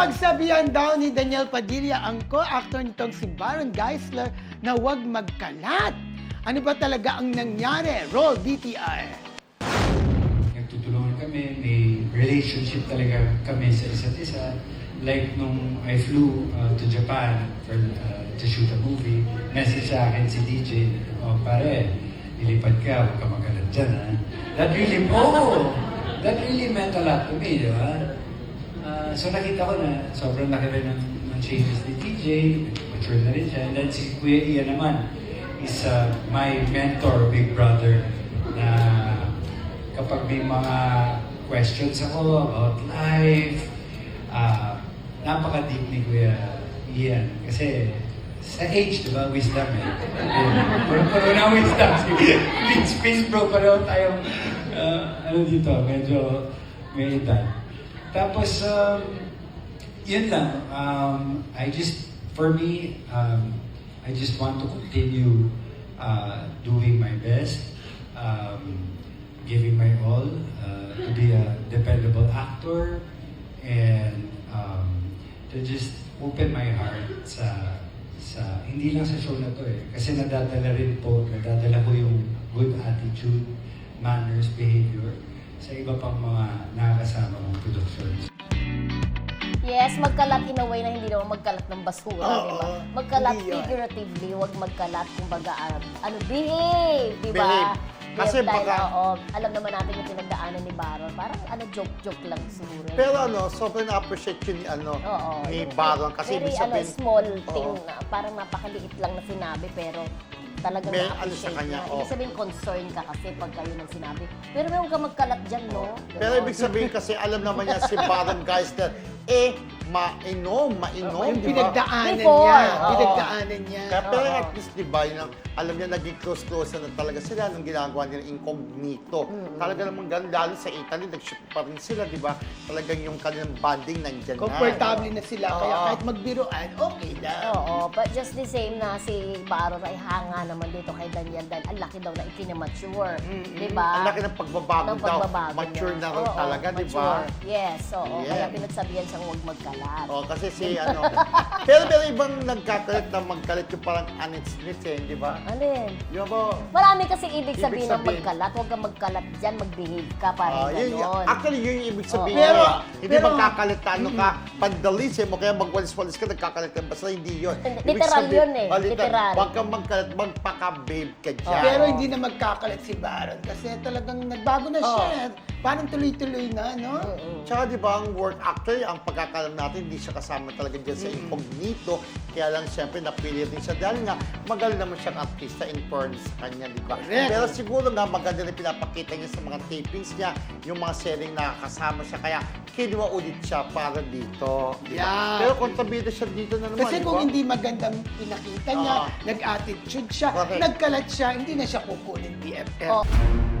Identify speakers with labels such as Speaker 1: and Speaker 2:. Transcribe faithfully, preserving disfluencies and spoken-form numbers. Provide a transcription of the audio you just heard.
Speaker 1: Napagsabihan daw ni Daniel Padilla ang co-actor nitong si Baron Geisler na huwag magkalat. Ano ba talaga ang nangyari? Roll B T R.
Speaker 2: Nagtutulungan kami, may relationship talaga kami sa isa't isa. Like nung I flew uh, to Japan for, uh, to shoot a movie, message sa akin si D J, oh pare, ilipad ka, huwag ka magalat dyan ha. That really, oh, that really meant a lot to me, di ba? Uh, so nakita ko na sobrang laki rin ng, ng changes ni D J, mature na rin siya. And then si Kuya Ian naman is uh, my mentor, big brother, na kapag may mga questions ako about life, uh, napaka-deep ni Kuya Ian. Kasi sa age, di ba, wisdom eh. Puro na wisdom. Please, please bro, pareho tayong, uh, ano dito, medyo may edad. Tapos, um, yun lang. Um, I just, for me, um, I just want to continue uh, doing my best, um, giving my all, uh, to be a dependable actor, and um, to just open my heart sa, sa, hindi lang sa show na to eh. Kasi nadadala rin po, nadadala ko yung good attitude, manners, behavior, sa iba pang mga nakakasama kong productions.
Speaker 3: Yes, magkalat in a way na hindi naman magkalat ng basura,
Speaker 1: Oo,
Speaker 3: di ba? Magkalat
Speaker 1: hindi yan.
Speaker 3: figuratively, huwag magkalat, kumbaga, ano, ano behave, di ba?
Speaker 1: Behave. Kasi
Speaker 3: Behave dahil,
Speaker 1: baka-
Speaker 3: oo, alam naman natin yung pinagdaanan ni Baron. Parang ano, joke-joke lang siguro.
Speaker 4: Pero ano, sobrang na-appreciate yun ni, ano,
Speaker 3: Oo,
Speaker 4: ni
Speaker 3: yung-
Speaker 4: Baron. Kasi
Speaker 3: very,
Speaker 4: ibig sabihin,
Speaker 3: ano, small thing
Speaker 4: Oo.
Speaker 3: na parang napakaliit lang na sinabi, pero talagang
Speaker 4: May ano
Speaker 3: na-appreciate
Speaker 4: sa kanya,
Speaker 3: na.
Speaker 4: oo.
Speaker 3: Ibig sabihin, concern ka kasi pag kayo nang sinabi. Pero may huwag ka magkalat dyan, no?
Speaker 4: Pero
Speaker 3: Ganon.
Speaker 4: ibig sabihin kasi alam naman niya si Baron Geisler, eh, mainom, mainom,
Speaker 1: Yung
Speaker 4: di ba?
Speaker 1: pinagdaanan
Speaker 3: Before,
Speaker 1: niya.
Speaker 3: oo.
Speaker 1: Pinagdaanan niya.
Speaker 4: Kaya pero
Speaker 3: Oo.
Speaker 4: at least, di ba, yun, alam niya naging close-close na talaga sila nung ginagawa nila incognito. Talaga naman ganun, lalo sa Italy, nag-shoot pa rin sila, di ba? Talagang yung kanilang bonding nandyan na.
Speaker 1: Comfortable na sila. Kaya
Speaker 4: Oo.
Speaker 1: kahit magbiruan, okay lang.
Speaker 3: Oo, but just the same na si Baron ay hanga naman dito kay Daniel dahil ang laki daw na ikinimature. Di ba?
Speaker 4: Ang laki ng pagbabago
Speaker 3: Ng
Speaker 4: daw.
Speaker 3: pagbabago
Speaker 4: Mature
Speaker 3: niya.
Speaker 4: na rin
Speaker 3: Oo,
Speaker 4: talaga, di ba?
Speaker 3: mature. Yes, oo.
Speaker 4: Yeah.
Speaker 3: Kaya pinagsabihan siyang huwag magkalat.
Speaker 4: Oh, kasi si ano. Pero pero ibang nagkakalit na magkalit yung parang Annette Smith eh, di ba?
Speaker 3: Alin?
Speaker 4: Yung ba?
Speaker 3: Marami kasi ibig
Speaker 4: Ibig
Speaker 3: sabihin ng
Speaker 4: sabihin.
Speaker 3: magkalat. Huwag kang magkalat dyan, mag-behave ka,
Speaker 4: Ah,
Speaker 3: parang
Speaker 4: yun,
Speaker 3: gano'n.
Speaker 4: actually, yun yung ibig sabihin.
Speaker 1: Oo. Pero-
Speaker 4: eh. hindi
Speaker 1: pero-
Speaker 4: magkakalit na ano ka, pandalism, o kaya magwalis-walis ka, nagkakalit ka. Basta hindi yun.
Speaker 3: Hindi,
Speaker 4: Ibig
Speaker 3: literal
Speaker 4: sabihin-
Speaker 3: yun eh,
Speaker 4: Oh, literal.
Speaker 3: literal.
Speaker 4: Huwag kang magkalit, magpaka-babe ka dyan.
Speaker 1: Pero hindi na magkakalat si Baron kasi talagang nagbago na siya. Parang tuloy-tuloy na, no?
Speaker 4: Tsaka di ba, ang work actor, ang pagkakalam natin, hindi siya kasama talaga dyan sa incognito. Kaya lang, siyempre, napili rin siya. Dahil nga, magaling naman siyang artista in fairness sa kanya, di ba?
Speaker 1: Correct.
Speaker 4: Pero siguro nga, maganda rin pinapakita niya sa mga tapings niya, yung mga selling na kasama siya. Kaya, kinuha ulit siya para dito. Di ba?
Speaker 1: Yeah.
Speaker 4: Pero kontrabida siya dito na naman,
Speaker 1: Kasi
Speaker 4: di
Speaker 1: kung
Speaker 4: ba?
Speaker 1: hindi magandang pinakita niya,
Speaker 4: Oo.
Speaker 1: nag-attitude siya,
Speaker 4: Correct.
Speaker 1: nagkalat siya, hindi na siya kukunin B F F.
Speaker 3: Oh.